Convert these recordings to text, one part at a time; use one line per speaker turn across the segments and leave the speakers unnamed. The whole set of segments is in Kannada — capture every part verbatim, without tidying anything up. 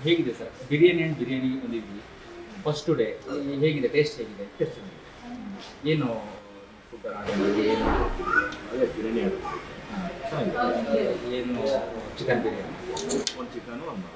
ಹೇಗಿದೆ ಸರ್ ಬಿರಿಯಾನಿ ಆ್ಯಂಡ್ ಬಿರಿಯಾನಿ ಬಂದಿದ್ವಿ ಫಸ್ಟ್ ಡೇ ಹೇಗಿದೆ ಟೇಸ್ಟ್ ಹೇಗಿದೆ ಟೇಸ್ಟ್ ಏನು ಫುಡ್ ಏನು
ಅದೇ ಬಿರಿಯಾನಿ ಅದು
ಏನು ಚಿಕನ್ ಬಿರಿಯಾನಿ
ಒಂದು ಚಿಕನು ಒಂದು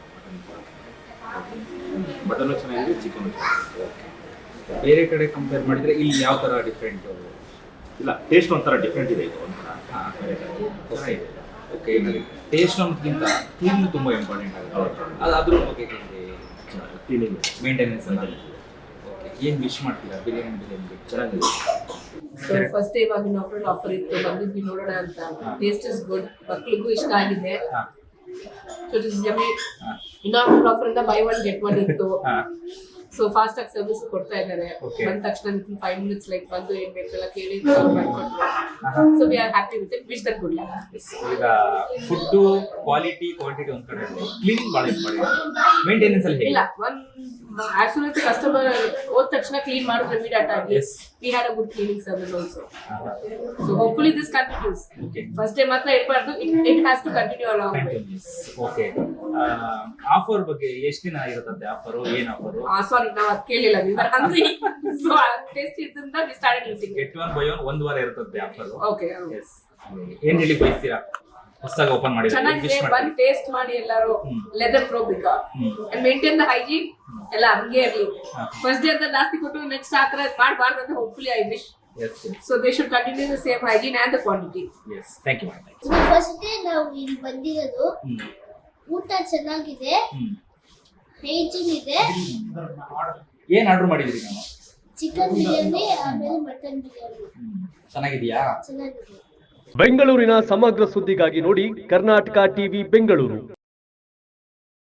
ಮಟನ್ ಮಟನ್ನು ಚೆನ್ನಾಗಿದೆ ಚಿಕನು ಚೆನ್ನಾಗಿದೆ.
ಬೇರೆ ಕಡೆ ಕಂಪೇರ್ ಮಾಡಿದರೆ ಇಲ್ಲಿ ಯಾವ ಥರ ಡಿಫ್ರೆಂಟ್
ಇಲ್ಲ ಟೇಸ್ಟ್ ಒಂಥರ ಡಿಫ್ರೆಂಟ್ ಇದೆ ಇದು ಒಂಥರ
ಹಾಂ
ಬೇರೆ ಕಡೆ ಚೆನ್ನಾಗಿದೆ.
ಓಕೆ ಟೇಸ್ಟ್ ಅನ್ನೋದಕ್ಕಿಂತ ಕ್ಲೀನ್ ತುಂಬ ಇಂಪಾರ್ಟೆಂಟ್ ಆಗುತ್ತೆ ಅದು ಅದ್ರ ಬಗ್ಗೆ ಹೇಗೆ
ಕ್ಲೀನಿಂಗ್
ಮೇಂಟೆನೆನ್ಸ್ ಅಂತ ಓಕೆ ಏನು ವಿಶ್ ಮಾಡ್ತೀರಾ ಬಿರಿಯಾನಿ ಬಿರಿಯಾನಿ
ಚೆನ್ನಾಗಿದೆ.
ಸೊ ಫಸ್ಟ್ ಟೈಮ್ ಆಗಿ ಆಫರ್ ಆಫರ್ ಇತ್ತು ಬಂದಿದ್ವಿ ನೋಡೋಣ ಅಂತ. ಟೇಸ್ಟ್ ಇಸ್ ಗುಡ್, ಮಕ್ಳಿಗೂ ಇಷ್ಟ ಆಗಿದೆ.
ಹಾಂ
ಸೊ ಇಟ್ ಇಸ್ ಜಮಿ
ಹಾಂ
ಇನ್ನೊಂದು ಆಫರ್ ಇಂದ ಬೈ ಒನ್ ಗೆಟ್ ಒನ್ ಇತ್ತು.
ಹಾಂ
ಸೊ ಫಾಸ್ಟ್ ಆಗಿ ಸರ್ವಿಸ್ ಕೊಡ್ತಾ ಇದ್ದಾರೆ.
Okay.
ಬಂದ ತಕ್ಷಣ ಫೈವ್ ಮಿನಿಟ್ಸ್ ಲೈಕ್ ಬಂದು ಏನ್ ಬೇಕೆಲ್ಲ ಕೇಳಿ ಮಾಡ್ಕೊಟ್ರು. So we are happy with it. Wish that good luck.
ಈಗ ಫುಡ್ಡು ಕ್ವಾಲಿಟಿ ಕ್ವಾಂಟಿಟಿ ಒಂದು ಕಡೆ ಕ್ಲೀನಿಂಗ್ ಭಾಳ ಇಂಪಾರ್ಟೆಂಟ್ ಮೇಂಟೆನೆನ್ಸ್ ಅಲ್ಲಿ ಹೇಗೆ
ಇಲ್ಲ one as soon as customer ಹೋದ ತಕ್ಷಣ ಕ್ಲೀನ್ ಮಾಡಿದ್ರೆ ಇಮಿಡಿಯೇಟ್ ಆಗಿ
Yes.
We had a good cleaning service also. So hopefully this continues.
Okay.
First time ಮಾತ್ರ ಇರಬಾರ್ದು, it it has to continue along way.
Okay offer ಬಗ್ಗೆ ಎಷ್ಟು ದಿನ ಇರುತ್ತದೆ ಆಫರು ಏನು ಆಫರು
ಆ ಸಾರಿ ನಾವು ಅದು ಕೇಳಿಲ್ಲ, we were hungry. So taste ಇದ್ದಿಂದ we started eating.
Get one by one ಒಂದು ವಾರ ಇರುತ್ತದೆ ಆಫರು
ಓಕೆ
ಎಸ್ ಏನ್ ಹೇಳಿ ಬಯಸ್ತೀರಾ ಹೊಸದಾಗಿ ಓಪನ್ ಮಾಡಿ
ಚೆನ್ನಾಗಿದೆ, ಬಂದು ಟೇಸ್ಟ್ ಮಾಡಿ ಎಲ್ಲರೂ ಲೆದರ್ ಪ್ರೋ ಬಿಗ ಅಂಡ್ ಮೇಂಟೈನ್ ದ ಹೈಜೀನ್ ಎಲ್ಲ ಹಂಗೆ ಇರಲಿ. ಫಸ್ಟ್ ಡೇ ಅಂತ ಜಾಸ್ತಿ ಕೊಟ್ಟು ನೆಕ್ಸ್ಟ್ ಆ ಥರ ಮಾಡಬಾರ್ದು ಅಂತ hopefully I wish.
Yes
so they should continue the same hygiene and the quantity.
Yes thank you
first day ನಾವು ಇಲ್ಲಿ ಬಂದಿರೋದು. ಊಟ ಚೆನ್ನಾಗಿದೆ, ಹೈಜೀನ್ ಇದೆ.
ಏನ್ ಆರ್ಡರ್ ಮಾಡಿದ್ರಿ ನಾನು
ಚಿಕನ್ ಬಿರಿಯಾನಿ ಆಮೇಲೆ ಮಟನ್ ಬಿರಿಯಾನಿ
ಚೆನ್ನಾಗಿದೆಯಾ
ಚೆನ್ನಾಗಿದೆ.
ಬೆಂಗಳೂರಿನ ಸಮಗ್ರ ಸುದ್ದಿಗಾಗಿ ನೋಡಿ ಕರ್ನಾಟಕ ಟಿವಿ ಬೆಂಗಳೂರು.